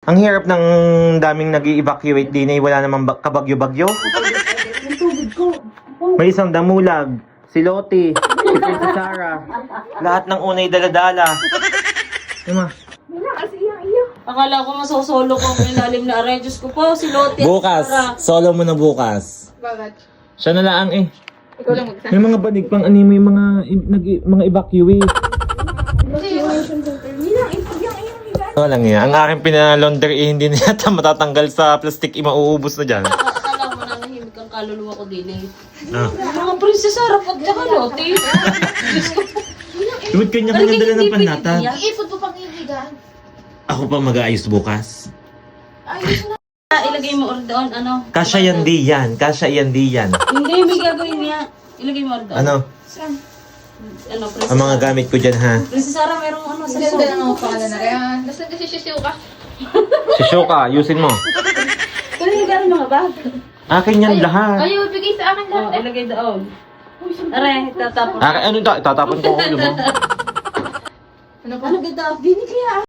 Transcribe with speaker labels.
Speaker 1: Ang hirap ng daming nag-i-evacuate din eh. Wala namang kabagyo-bagyo.
Speaker 2: Ang tubig ko.
Speaker 1: May isang damulag. Si Loti. Si Princess Sarah. Lahat ng unay daladala. Diba?
Speaker 2: Wala kasi iyo.
Speaker 3: Akala ko masosolo ko ang ilalim na aray. Diyos ko po, si Loti.
Speaker 1: Bukas. Solo mo na bukas.
Speaker 2: Bakit?
Speaker 1: Siya na lang eh.
Speaker 2: Ikaw lang mag-isa.
Speaker 1: May mga banig pang anime, mga evacuate.
Speaker 2: Evacuation center. Hindi lang, ipag yung iyong higaan.
Speaker 1: Wala lang yan. Ang aking pinalaundry eh, hindi na yata matatanggal sa plastic. Mauubos na dyan.
Speaker 3: Akala mo na nahimik ang kaluluwa ko din eh.
Speaker 1: Ah.
Speaker 3: Mga Princess Sarah at saka Loti. Diyos ko po.
Speaker 1: Duwag kanya-kanya dala ng panlata.
Speaker 2: Iipod mo pang iyong higaan.
Speaker 1: Ako pa mag-aayos bukas.
Speaker 2: Ayos na.
Speaker 3: Ilagay mo or doon, ano?
Speaker 1: Kasya yan di yan. Kasya yan di yan.
Speaker 3: Hindi, may gagawin niya. Ilagay mo or doon.
Speaker 1: Ano?
Speaker 2: Saan?
Speaker 3: Ano, Princess
Speaker 1: Ang mga gamit ko dyan ha.
Speaker 3: Princess Sarah, merong ano sa
Speaker 2: Ganda lang ako pangalan na rin. Basta kasi sisiw ka.
Speaker 1: Si Shoka, ayusin mo.
Speaker 3: Pero higaan mga bag.
Speaker 1: Akin yan lahat.
Speaker 2: Ayaw, bigay sa akin
Speaker 3: Oh,
Speaker 2: lahat.
Speaker 3: ilagay doon. Aray, tatapon.
Speaker 1: Akin, ano tatapon ko ulo mo.
Speaker 2: Ano pa?
Speaker 3: Ano ganda? Bini kaya